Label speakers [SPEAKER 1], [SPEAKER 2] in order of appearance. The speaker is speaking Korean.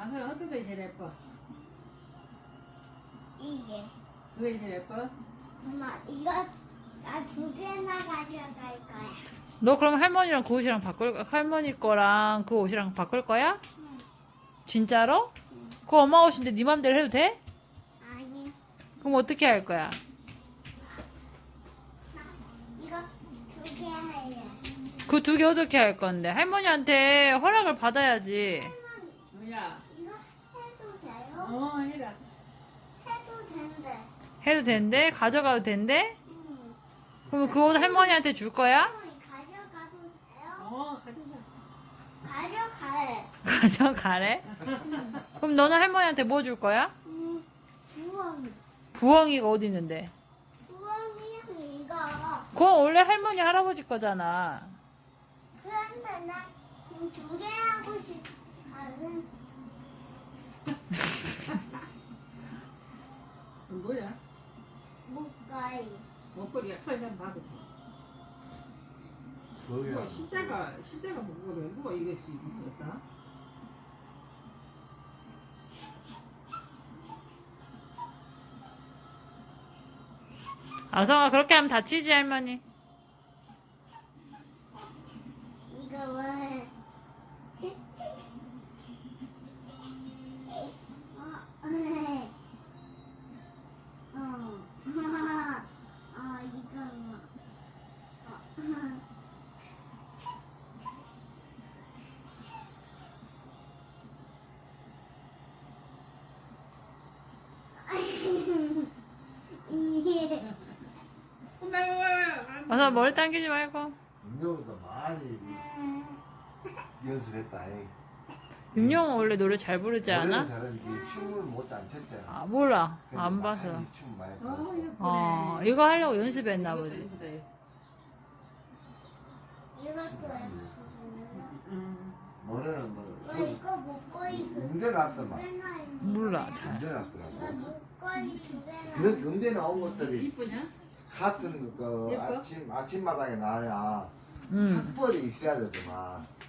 [SPEAKER 1] 아서 어떤 게 제일 예뻐?
[SPEAKER 2] 이게.
[SPEAKER 1] 그게 제일 예뻐?
[SPEAKER 2] 엄마, 이거 나 두 개나 가져갈 거야.
[SPEAKER 3] 너 그럼 할머니랑 그 옷이랑 할머니 거랑 그 옷이랑 바꿀 거야?
[SPEAKER 2] 응.
[SPEAKER 3] 진짜로? 그거 엄마 옷인데 네 맘대로 해도 돼?
[SPEAKER 2] 아니,
[SPEAKER 3] 그럼 어떻게 할 거야?
[SPEAKER 2] 이거 두 개 할래.
[SPEAKER 3] 그 두 개 어떻게 할 건데? 할머니한테 허락을 받아야지.
[SPEAKER 2] 할머니,
[SPEAKER 1] 뭐야?
[SPEAKER 2] 이거 해도 돼요?
[SPEAKER 1] 해라.
[SPEAKER 2] 해도 된대.
[SPEAKER 3] 해도 된대? 가져가도 된대?
[SPEAKER 2] 응.
[SPEAKER 3] 그럼 그 옷 할머니한테 줄 거야?
[SPEAKER 2] 할머니 가져가도 돼요?
[SPEAKER 1] 가져가.
[SPEAKER 2] 가져가래.
[SPEAKER 3] 가져가래? 그럼 너는 할머니한테 뭐 줄 거야?
[SPEAKER 2] 부엉이.
[SPEAKER 3] 부엉이가 어디 있는데?
[SPEAKER 2] 부엉이랑 이거.
[SPEAKER 3] 그건 원래 할머니 할아버지 거잖아.
[SPEAKER 2] 그런데 나 두 개 하고 싶어.
[SPEAKER 1] 뭐야?
[SPEAKER 2] 목걸이.
[SPEAKER 1] 목걸이가 칼좀 봐보자.
[SPEAKER 4] 거기야.
[SPEAKER 1] 십자가 목걸이 누가 이길 수 있겠다?
[SPEAKER 3] 아성아 그렇게 하면 다치지 할머니.
[SPEAKER 2] 이거 왜? 이거 뭐?
[SPEAKER 3] 어서 머리 당기지 말고.
[SPEAKER 4] 운동도 많이 연습했다.
[SPEAKER 3] 윤영은 원래 노래 잘 부르지 않아?
[SPEAKER 4] 원래는 다른데 춤을 못 안 췄잖아.
[SPEAKER 3] 아 몰라.
[SPEAKER 4] 근데
[SPEAKER 3] 안
[SPEAKER 4] 많이
[SPEAKER 3] 봐서.
[SPEAKER 4] 춤 많이
[SPEAKER 1] 예쁘네.
[SPEAKER 4] 봤어.
[SPEAKER 3] 이거 하려고 연습했나 보지.
[SPEAKER 1] 예쁘다.
[SPEAKER 2] 이것도
[SPEAKER 4] 노래는 뭐
[SPEAKER 2] 이거 목걸이
[SPEAKER 4] 음대 나왔더만.
[SPEAKER 3] 몰라 잘.
[SPEAKER 4] 음대 나왔더라고.
[SPEAKER 2] 목걸이 두 개나.
[SPEAKER 4] 그런 음대 나온 것들이
[SPEAKER 1] 이쁘냐?
[SPEAKER 4] 같은 그
[SPEAKER 1] 예뻐?
[SPEAKER 4] 아침마당에 나야
[SPEAKER 3] 응.
[SPEAKER 4] 학벌이 있어야 되더만.